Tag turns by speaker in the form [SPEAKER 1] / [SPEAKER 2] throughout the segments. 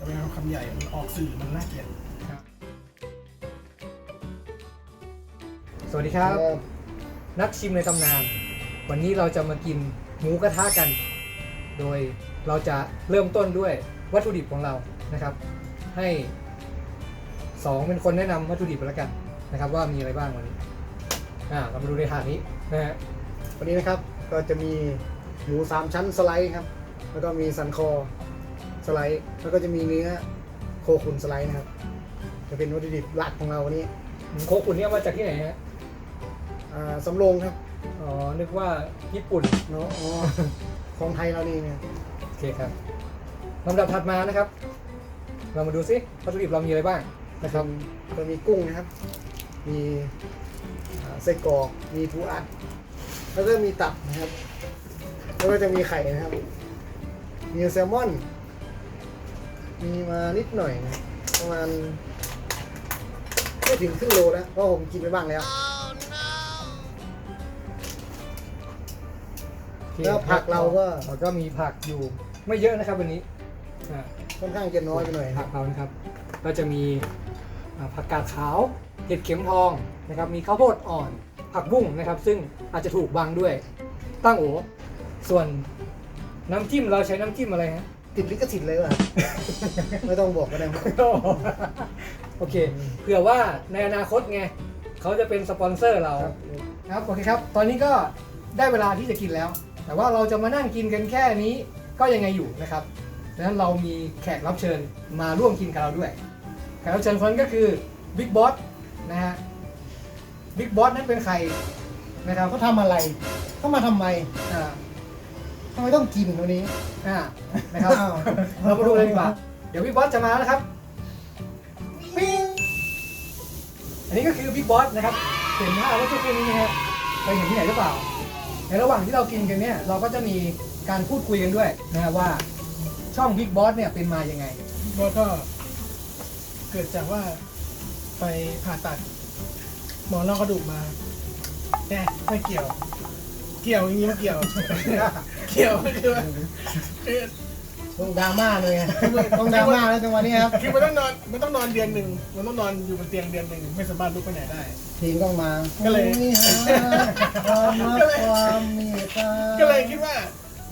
[SPEAKER 1] เป็นคำใหญ่มันออกสื่อมันน่าเกลียด
[SPEAKER 2] สวัสดีครับ นักชิมในตำนาน วันนี้เราจะมากินหมูกระทะกัน โดยเราจะเริ่มต้นด้วยวัตถุดิบของเรานะครับ ให้2เป็นคนแนะนำวัตถุดิบแล้วกันนะครับว่ามีอะไรบ้างวันนี้เรามาดูในถาดนี้นะฮะ
[SPEAKER 3] วันนี้นะครับก็จะมีหมู3ชั้นสไลด์ครับแล้วก็มีสันคอสไลด์แล้วก็จะมีเนื้อโคขุนสไลด์นะครับจะเป็นวัตถุดิบหลักของเราวันนี้
[SPEAKER 2] โคขุนเนี่ยมาจากที่ไหนฮะ
[SPEAKER 3] สำโรงครับ
[SPEAKER 2] อ๋อนึกว่าญี่ปุ่น
[SPEAKER 3] เนาะอ๋อของไทยเรานี่เนี่ย
[SPEAKER 2] โอเคครับลำดับถัดมานะครับ เรามาดูซิวัตถุดิบเรามีอะไรบ้างนะครับ
[SPEAKER 3] ก็มีกุ้งนะครับมีไส้กรอกมีปูอัดแล้วก็มีตับนะครับแล้วก็จะมีไข่นะครับมีแซลมอนมีมานิดหน่อยนะประมาณไม่ถึงครึ่งโลนะเพราะผมกินไปบ้างแล้วแล้วผักเราก็
[SPEAKER 2] มีผักอยู่ไม่เยอะนะครับวันนี้อ่า
[SPEAKER 3] ค่อนข้างจะน้อยไปหน่อย
[SPEAKER 2] ผักเรานะครับก็จะมีผักกาดขาวเห็ดเข็มทองนะครับมีข้าวโพดอ่อนผักบุ้งนะครับซึ่งอาจจะถูกบังด้วยตั้งโอส่วนน้ำจิ้มเราใช้น้ำจิ้มอะไรฮะ
[SPEAKER 3] ติดลิขสิทธิ์เลยว่ะ ไม่ต้องบอกก็ได้
[SPEAKER 2] โอเคเผื่อว่าในอนาคตไงเขาจะเป็นสปอนเซอร์เราครับโอเคครับตอนนี้ก็ได้เวลาที่จะกินแล้ว แต่ว่าเราจะมานั่งกินกันแค่นี้ก็ยังไงอยู่นะครับดังนั้นเรามีแขกรับเชิญมาร่วมกินกับเราด้วยแขกรับเชิญคนนั้นก็คือบิ๊กบอสนะฮะบิ๊กบอสนั้นเป็นใครนะครับ
[SPEAKER 3] เขาทำอะไรเขามาทำไม
[SPEAKER 2] อ่า
[SPEAKER 3] ทำไมต้องกินวันนี้
[SPEAKER 2] นะครับ
[SPEAKER 3] อ้าว
[SPEAKER 2] เรามาดูเลยดีกว่าเดี๋ยวบิ๊กบอสจะมาแล้วนะครับปิ้งอันนี้ก็คือบิ๊กบอสนะครับเห็นภาพว่าทุกคนนี้นะฮะไปเห็นที่ไหนหรือเปล่าในระหว่างที่เรากินกันเนี่ยเราก็จะมีการพูดคุยกันด้วยนะฮะว่าช่องบิ๊กบอสเนี่ยเป็นมายังไง
[SPEAKER 1] ก็เกิดจากว่าไปผ่าตัดหมอนรองกระดูกมาเนี่ยไม่เกี่ยวอย่างนี้ไม่เกี่ยว เกี่ยวคือว่าคือ
[SPEAKER 3] ต้องดราม่าเลยไงต้องดราม่าแล้วจังหวะนี้ครับ
[SPEAKER 1] คือมันต้องนอนเดือนหนึ่งมันต้องนอนอยู่บนเตียงเดือนหนึ่งไม่สามารถลุกไปไหนได้
[SPEAKER 3] เพลงต้องมา
[SPEAKER 1] ก็เลย
[SPEAKER 3] มีหาความรักความเมตตา
[SPEAKER 1] ก็เลยคิดว่า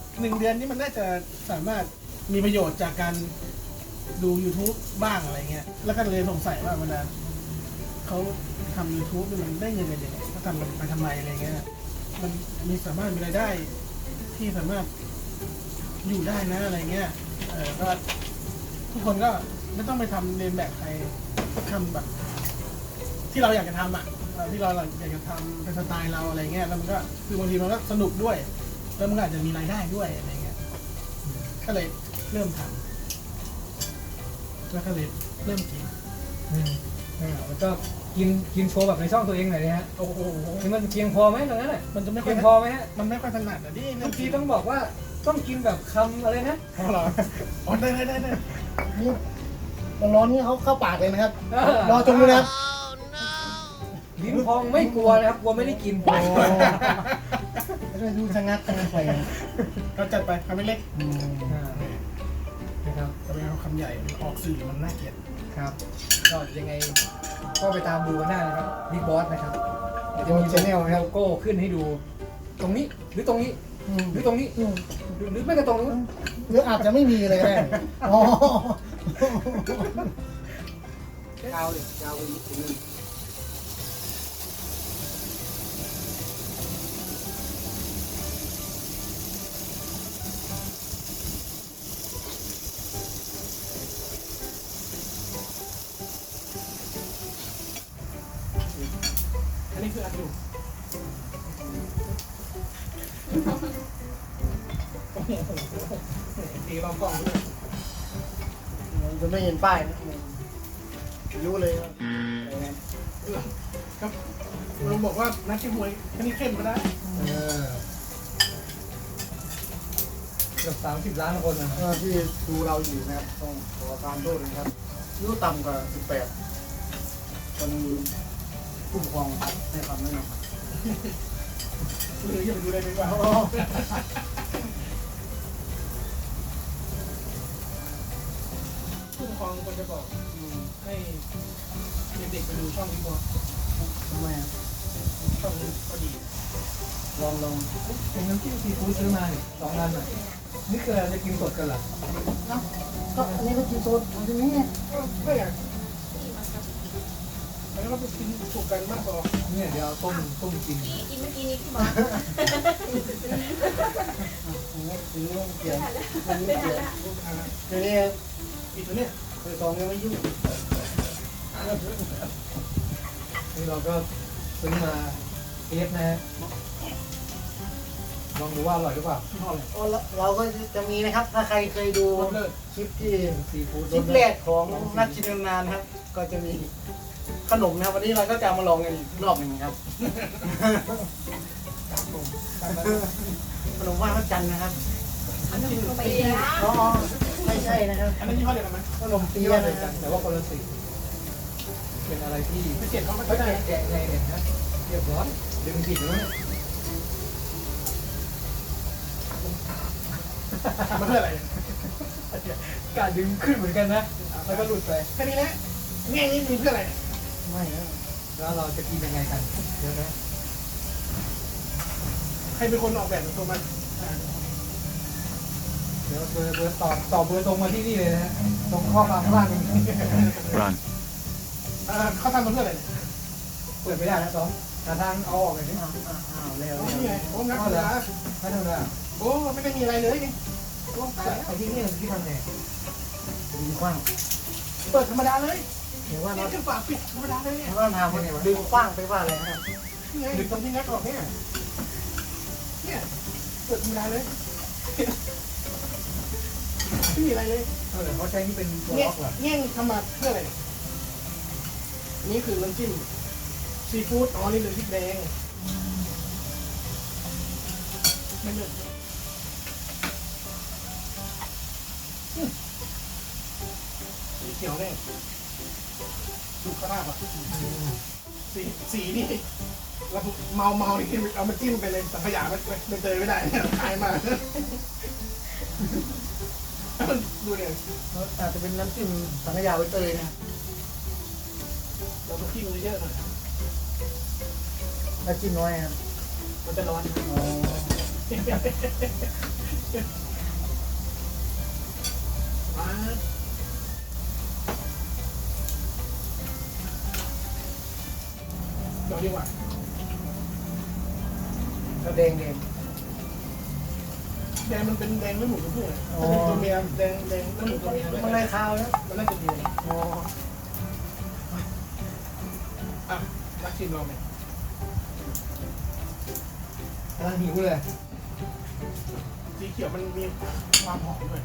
[SPEAKER 1] 1 เดือนนี้มันน่าจะสามารถมีประโยชน์จากการดู YouTube บ้างอะไรเงี้ย แล้วก็เลยสงสัยว่าเวลาเขาทำ YouTube นี่มันได้เงินกันยังไงเขาทำมันไปทำไมอะไรเงี้ย มันมีสามารถมีรายได้ที่สามารถอยู่ได้นะอะไรเงี้ย ก็ทุกคนก็ไม่ต้องไปทำเรียนแบบใครก็ทำแบบ ที่เราอยากจะทำอ่ะที่เราอยากจะทำเป็นสไตล์เราอะไรเงี้ยแล้วมันก็คือบางทีมันก็สนุกด้วยแล้วมันก็อาจจะมีรายได้ด้วยอะไรเงี้ยก็เลยเริ่มทำแล้วก็เลยเริ่มกิน
[SPEAKER 2] แล้วก็กินโชว์แบบในช่องตัวเองหน่อยนะฮะ
[SPEAKER 1] โอ้โห
[SPEAKER 2] นี่มันเพียงพอไหมตรงนั้นน่ะ
[SPEAKER 1] มันจะไม่ค่
[SPEAKER 2] เพี
[SPEAKER 1] อย
[SPEAKER 2] ยงพอไหมฮะ
[SPEAKER 1] มันไม่ค่อยถนัดอ่ะดิ
[SPEAKER 2] บางทีต้องบอกว่าต้องกินแบบคำอะไรนะ
[SPEAKER 1] พอเหรออ๋อได้
[SPEAKER 3] นี่ร้อนๆนี่เขาเข้าปากเลยนะครับ รอจนดูนะครับ
[SPEAKER 2] ลิ้นพองไม่กลัวนะครับกลัวไม่ได้กิน
[SPEAKER 3] โอ้ไม่ดูชะงักไป
[SPEAKER 1] เราจัดไปคำไม่เล็ก
[SPEAKER 2] นะครับ
[SPEAKER 1] แต่เป็นคำใหญ่มันออกสื่อมันน่าเกลียด
[SPEAKER 2] ครับก็ยังไงก็ไปตามดูกันได้นะครับบิ๊กบอสนะครับเดี๋ยว
[SPEAKER 3] โด
[SPEAKER 2] จะ
[SPEAKER 3] น
[SPEAKER 2] มี
[SPEAKER 3] ชแนลนะครับ
[SPEAKER 2] โลโก้ขึ้นให้ดู ตรงนี้หรือตรงนี้หรือตรงนี้หรือไม่ก็ตรงนู้น
[SPEAKER 3] หรืออาจจะไม่มีเลยก็ได้อ๋อย
[SPEAKER 2] าวเลยยาวไปนิดนึงอันนี้คืออันดูตีรอบกล้องด้วย
[SPEAKER 3] จะไม่เห็นป้ายนะรู้เลยว่า
[SPEAKER 1] ครับเราบอกว่านักชิมหวยอันนี้เข้มก็ได้
[SPEAKER 2] เกือบ30 ล้านคนนะค
[SPEAKER 3] ที่ดูเราอยู่นะครับต้องขอตามโทษนะครับอายุต่ำกว่า18คนผู้ปกครองให้คำแนะนำ
[SPEAKER 1] หรืออย่าไปดูเลยดีกว่า
[SPEAKER 3] เ
[SPEAKER 1] ครองคนจะบอกให้เด็กๆไปดูช่องนี้ก่อน
[SPEAKER 3] ทำไมอ่ะ
[SPEAKER 1] ช่องนี้ก็ดี
[SPEAKER 3] ลอง
[SPEAKER 2] เป็นน้ำจิ้มซีฟู้ดซื้อมาเนี่ย2 อันอ่ะนี่คือเราจะกินสดกันเหรอ
[SPEAKER 3] ก็อันนี้ก็กินสดอันนี้
[SPEAKER 1] ไม่อยากแล้วก็ไปกินสุกกันมากกว่า
[SPEAKER 2] เนี่ยเดี๋ยวเอาต้มกิน
[SPEAKER 4] กินเมื่อกี้นี้ที่บอก
[SPEAKER 3] ซื้อเกี่ยว
[SPEAKER 4] ไม่ทันละ
[SPEAKER 3] เดี๋ยวนี้
[SPEAKER 1] อีกตัวเนี้ย
[SPEAKER 3] เคยซองยังไม่ยุ่ง
[SPEAKER 2] นี่เราก็ซื้อมาเทสนะฮะลองดูว่าอร่อยหรือเปล่า
[SPEAKER 1] ที่ห้อเลย
[SPEAKER 3] เราก็จะมีนะครับ ถ้าใครเคยดู
[SPEAKER 1] รสเลิศ
[SPEAKER 3] คลิปที่
[SPEAKER 2] ซีฟู้ด
[SPEAKER 3] คลิปแรกของนักชิมนานครับ ก็จะมีขนมนะครับ วันนี้เราก็จะมาลองกันอีกรอบหนึ่งครับ ขนมไหว้พระจันทร์นะครับ
[SPEAKER 4] อันนั้นไปละ
[SPEAKER 3] อ๋อไม่ใช่นะครับ
[SPEAKER 1] อันนั้นยี่ห้อเดียวกันไหม
[SPEAKER 3] ขนมเปี๊
[SPEAKER 2] ที่
[SPEAKER 3] ยะ
[SPEAKER 2] ว่าเหมื
[SPEAKER 3] นะ
[SPEAKER 2] อน
[SPEAKER 3] ค
[SPEAKER 2] กั
[SPEAKER 3] รั
[SPEAKER 2] น
[SPEAKER 3] บ
[SPEAKER 2] แต่ว่าคนละสีเป็นอะไรที่
[SPEAKER 1] ไม่เจ็บเขาไม่
[SPEAKER 2] เขา
[SPEAKER 1] ได้
[SPEAKER 2] จะแกะไงเนี่ยนะเรียบร้อยดึงผิดแล้วเนี่ย
[SPEAKER 1] ทำมาเพื่ออะไร
[SPEAKER 2] กาดึงขึ้นเหมือนกันนะแล้วก็หลุดไป
[SPEAKER 1] แค่นี้แหละแง่นี้มีเพื่ออะไร
[SPEAKER 3] ไม่นะ
[SPEAKER 2] แล้วเราจะกินยังไงกันเดี๋ยวนะ
[SPEAKER 1] ใครเป็นคนออกแบบตัวมัน
[SPEAKER 2] เดี๋ยวเบอร์ต่อเบอร์ตรงมาที่นี่เลยนะฮะตรงข้อความข้างล่างนี้
[SPEAKER 5] Run.
[SPEAKER 1] เขาทำมาเพื่ออะไร
[SPEAKER 2] เปิดไม่ได้นะต้องหาทางเอาออกเลยนี่
[SPEAKER 3] อ้าวแล้ว
[SPEAKER 1] นี่ไงโอ้นักศึกษา
[SPEAKER 2] ไม่ทำได้
[SPEAKER 1] โอ้ไม่ได้มีอะไรเลยนี่โอ้ตายแล้ว
[SPEAKER 2] ไอ้ที่นี่ที่ทำไง
[SPEAKER 3] ดึงกว้าง
[SPEAKER 1] เปิดธรรมดาเลย
[SPEAKER 3] เห็นว่า
[SPEAKER 1] นี่
[SPEAKER 3] เรา
[SPEAKER 1] คือฝาปิดธรรมดาเลยเนี่ย
[SPEAKER 3] เห็นว่าทำดึงกว้างไปว่าอะไรนะครับ
[SPEAKER 1] นี่ไงตรงที่งัดออกเนี่ยเนี่ยเปิดธรรมดาเลยไม่มีอะไรเลย
[SPEAKER 2] เขาใช้นี่เป็นตัว
[SPEAKER 1] เนี่ย
[SPEAKER 2] ล็อกเหรอ
[SPEAKER 1] แง่งทำมาเพื่ออะไรนี่คือน้ำจิ้มซีฟู้ดอ๋อนี่เป็นพริกแดงไม่เลิศสีเขียวเนี่ยดูกระราบอ่ะสีนี่เราเมานี่เอามาจิ้มไปเลยสังขยาไม่เจอไม่ได้เนี่ยขายมาดูเนี่ย
[SPEAKER 3] อาจจะเป็นน้ำจิ้มสังขยาใบเตยนะ
[SPEAKER 1] เราต้องจิ้มเยอะๆหน่อย
[SPEAKER 3] น้ำจิ้มน้อยครับ
[SPEAKER 1] มันจะร้อน
[SPEAKER 3] อ๋อ
[SPEAKER 1] มาเดี๋ยวดีกว่า
[SPEAKER 3] ก็แดง
[SPEAKER 1] แดงมันเป็นแดงไม่หมูตัวผู้ไงถ้าเป็นตัวเมียแดงไม่หมูตัวเมีย
[SPEAKER 3] มันอะไรคาวนะ
[SPEAKER 1] มันน่าจะดี
[SPEAKER 3] อ๋อ
[SPEAKER 1] อ่ะรักชิมลองไหม
[SPEAKER 2] กำลังหิวเลย
[SPEAKER 1] สีเขียวมันมีความหอมด้วย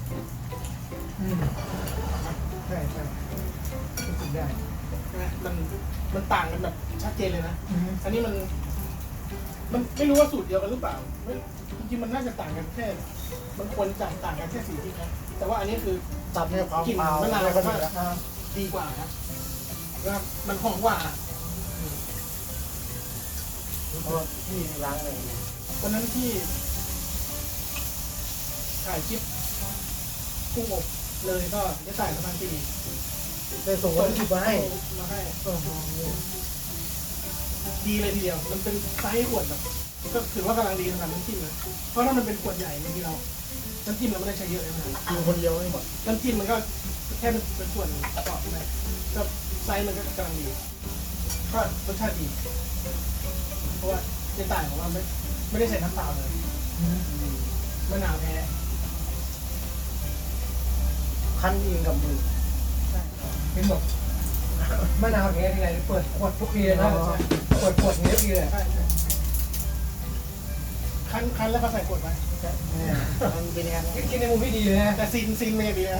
[SPEAKER 2] ใช่รู้สึกได้
[SPEAKER 1] ใช่ไหมมันต่างกันแบบชัดเจนเลยนะ อันนี้มันไม่รู้ว่าสูตรเดียวกันหรือเปล่าจริงๆมันน่าจะต่างกันแค่มันควรจะต่างกันแค่สีที่นะแต่ว่าอันนี้คือ
[SPEAKER 3] ตับเนี่ยความ
[SPEAKER 1] กลิ่น
[SPEAKER 3] เปล่าม
[SPEAKER 1] ะนาว
[SPEAKER 3] ไม่ค่อยดีแล้ว
[SPEAKER 1] ดีกว่าครับแล้วมันหอมกว่า
[SPEAKER 3] เพราะที่ล้างเลย
[SPEAKER 1] วันนั้นที่ถ่ายคลิปกุ้งอบเลยก็จะถ่ายประมาณปี
[SPEAKER 3] ได้ส่งวัตถุดิบมาให้
[SPEAKER 1] มาให้
[SPEAKER 3] โอ้โห
[SPEAKER 1] ดีเลยทีเดียว มันเป็นไซส์ขวดแบบก็ถือว่ากำลังดีสำหรับน้ำจิ้มนะเพราะถ้ามันเป็นขวดใหญ่บางทีเราน้ำจิ้มเราไม่ได้ใช้เยอะเลยนะ
[SPEAKER 3] กินคนเดียวไม่หมด
[SPEAKER 1] น้ำจิ้มมันก็แค่เป็นส่วนประกอบนะก็ไซส์มันก็กำลังดีก็รสชาติดี เพราะว่าในต่างของเราไม่ได้ใส่น้ำเปล่าเลยมะนาวแท้
[SPEAKER 3] คั้นเองกับมือ
[SPEAKER 2] เป็นแบบมะนาวแท้ที่ไหนเปิดขวดทุกทีเลยนะเปิดขวดนี้ทุกทีเลย
[SPEAKER 1] ใช่ใช่คั้นแล้วก็ใส่ขวดไว้
[SPEAKER 3] มันเป็นยังไง
[SPEAKER 2] คิดในมุมที่ดีเลยนะ
[SPEAKER 1] แต่ซีนไม่ดีนะ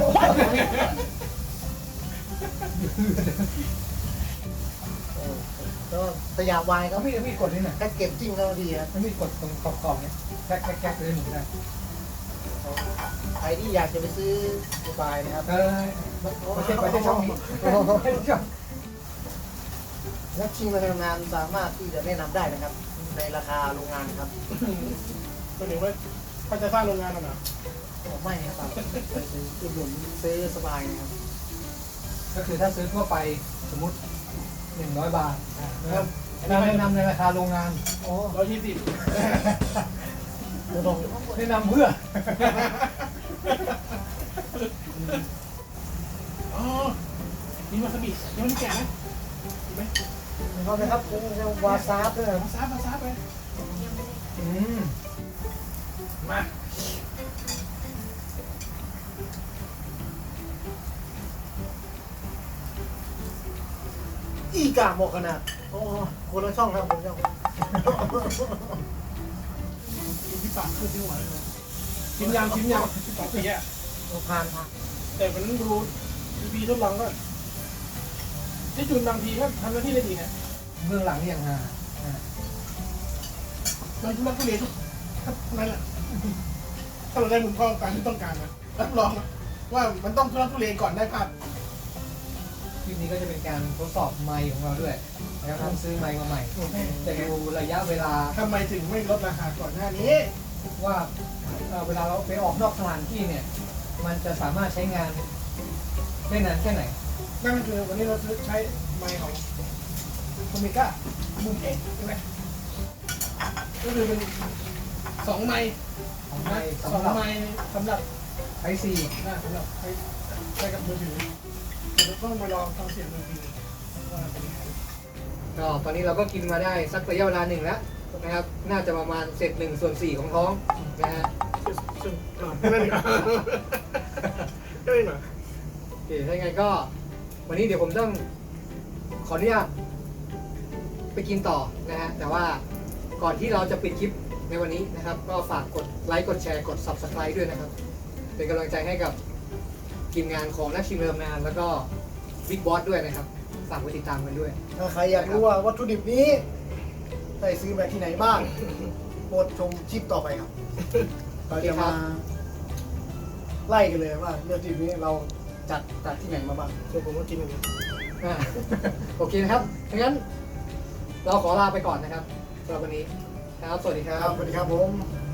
[SPEAKER 3] ก็สยามวายก็
[SPEAKER 2] เขาพี่กดนี่หน่อย
[SPEAKER 3] แพ็กเกจจิ้งก็ดีครับ
[SPEAKER 2] ถ้าพี่กดตรงขอบๆเนี่ยแก๊กเลยหนูได้
[SPEAKER 3] ใครที่อยากจะไปซื้อสบายนะครับ
[SPEAKER 2] ไม่ใช่ช่องนี้ช่อง
[SPEAKER 3] นักชิงระดับงานสามารถที่จะแนะนำได้นะครับ ในราคาโรงงานครับ
[SPEAKER 1] ก็เดี๋ยวว่าเขาจะสร้างโรงงานหรอ
[SPEAKER 3] ไม่ครับไปซื้ออุดหนุนซื้อสบายนะครับ
[SPEAKER 2] ก็คือถ้าซื้อทั่วไปสมมุติ100 บาทนะครับเราแนะนำในราคาโรงงาน
[SPEAKER 3] อ๋อ
[SPEAKER 1] 120
[SPEAKER 3] ไม่ต้อง
[SPEAKER 2] แนะนำเพื่อ
[SPEAKER 1] อ๋อมีวาซาบิยังไม่ได้แกะนะมีไหม
[SPEAKER 3] เอาเลยครับวาซาบด้วยนะ
[SPEAKER 1] วาซาบไป
[SPEAKER 2] อืม
[SPEAKER 1] มา
[SPEAKER 3] อีกาหมกขนาดโอ้คนละช่องครับคนละช่อง
[SPEAKER 1] กินที่ปากขึ้นที่หัวเลยนะชิมยัง2 ปีอะ
[SPEAKER 3] ผ่าน
[SPEAKER 1] แต่มันดูพีทดลองก็ที่จุนบางทีก็ทำหน้าที่ได้ดีนะ
[SPEAKER 2] เบื้องหลังนี่ยังหา
[SPEAKER 1] มันทุลักทุเลทุกนั่นแหละถ้าเราได้มุมกล้องการที่ต้องการนะรับรองว่ามันต้องทุลักทุเลก่อนได้ภาพ
[SPEAKER 2] คลิปนี้ก็จะเป็นการทดสอบไมค์ของเราด้วยนะครับต้องซื้อไมค์มาใหม่จะดูระยะเวลา
[SPEAKER 1] ทำไมถึงไม่ลดราคาก่อนหน้านี้
[SPEAKER 2] ว่าเวลาเราไปออกนอกสถานที่เนี่ย มันจะสามารถใช้งานได้นานแค่ไหน
[SPEAKER 1] นั่นก็คือวันนี้เราใช้ไมค์ของโอเมก้าบูมเอ็กใช่ไหมก็คือเป็น2 ไมค์
[SPEAKER 2] ของไมค์
[SPEAKER 1] สอง
[SPEAKER 2] สำหรับ
[SPEAKER 1] ไมค์สำหรับ
[SPEAKER 2] ไอซี
[SPEAKER 1] สำหรับใช้กับมือถือเราต้องไปลองฟังเสียงมือถือว่าเป็นยังไง
[SPEAKER 2] ก็ตอนนี้เราก็กินมาได้สักระยะเวลาหนึ่งแล้วนะครับ น่าจะประมาณเศษ1/4ของท้องนะฮะ
[SPEAKER 1] นั่นเองก็เลยหน่อย
[SPEAKER 2] โอเคถ้าอย่างไรก็วันนี้เดี๋ยวผมต้องขออนุญาตไปกินต่อนะฮะแต่ว่าก่อนที่เราจะปิดคลิปในวันนี้นะครับ ก็ฝากกดไลค์กดแชร์กด Subscribe ด้วยนะครับ เป็นกำลังใจให้กับทีมงานของนักชิมเริ่มนานแล้วก็บิ๊กบอสด้วยนะครับฝากไปติดตามกันด้วย
[SPEAKER 3] ถ้าใครอยากรู้ว่าวัตถุดิบนี้ได้ซื้อมาที่ไหนบ้างโปรดชมคลิปต่อไปครับเราจะมาไล่กันเลยว่าวัตถุดิบนี้เราจัดที่ไหนมาบ้าง
[SPEAKER 1] ส่วนผมก็กินอย่างนี้
[SPEAKER 2] อ่า โอเคนะครับงั้นเราขอลาไปก่อนนะครับสำหรับวันนี้ครับ สวัสดีค
[SPEAKER 3] ค
[SPEAKER 2] รั
[SPEAKER 3] รับ
[SPEAKER 2] บ
[SPEAKER 3] สวัสดีครับผม